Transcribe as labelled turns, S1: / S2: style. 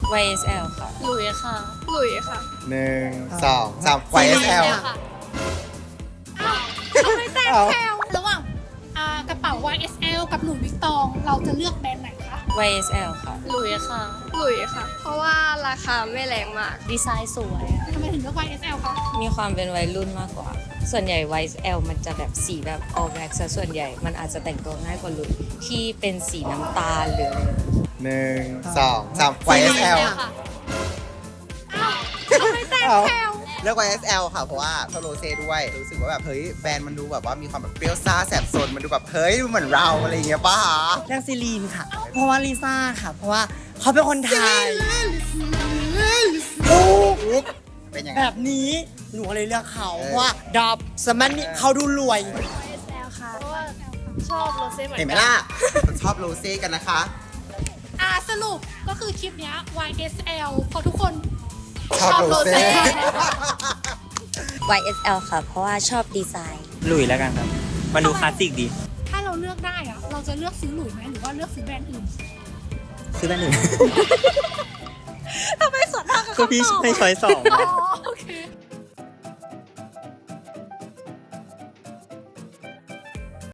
S1: YSL ค่ะ
S2: หลุยค่ะ
S3: หลุยค่ะ
S4: 1 2 3 YSL
S3: ทำไมแตกแถวระหว่างกระเป๋า YSL กับหลุยส์วิกตองเราจะเลือกแบรนด์ไหนคะ
S1: YSL ค่ะ
S2: หลุยค่ะ
S3: หลุยค่ะ เพราะว่าราคาไม่แรงมาก
S2: ดีไซน์สวยอะ
S3: ทำไมถึงเลือก YSL คะ
S1: มีความเป็นวัยรุ่นมากกว่า ส่วนใหญ่ YSL มันจะแบบสีแบบ all black ซะส่วนใหญ่ มันอาจจะแต่งตัวง่ายกว่าลุยที่เป็นสีน้ำตาลหรืออะไรแบบนี้
S4: 1 2 3 YSL
S3: ทำไมแตกแถว
S4: เลือก YSL ค่ะ เพราะว่าชอบโรเซ่ด้วย รู้สึกว่าแบบ เฮ้ย แบรนด์มันดูแบบว่ามีความแบบเปรี้ยวซ่าแสบสน มันดูแบบ เฮ้ย เหมือนเราอะไรอย่างเงี้ยป่ะคะ
S5: เรื่องซีรีนค่ะ เพราะว่าลิซ่าค่ะ เพราะว่าเขาเป็นคนไทย
S4: เป็นยังไง
S5: แบบนี้หนูก็เลยเลือกเขาเพราะว่าดอบสมันนี่เขาดูรวย
S3: YSL ค่ะ
S2: เพราะว่าชอบโรเซ่เหมือน
S4: เห็นไหม
S2: กั
S4: ล่ะชอบโรเซ่กันนะคะ
S3: สรุปก็คือคลิปเนี้ย YSL เพราะทุกคน
S4: ชอบโรเซ่
S1: YSL ค่ะ เพราะว่าชอบดีไซน์
S6: หลุยแล้วกันครับ มันดูคลาสสิกดี
S3: ถ้าเราเลือกได้อะเราจะเลือกซื้อหลุยไหมหรือว่าเลือกซื้อแบรนด์อื่น
S6: ซื้อแบรนด์อื่น
S3: ทำไมสวนทางกับ
S6: ก็พี่
S3: คำตอบ
S6: ให้ช้อยสอง
S3: อ๋อโอเค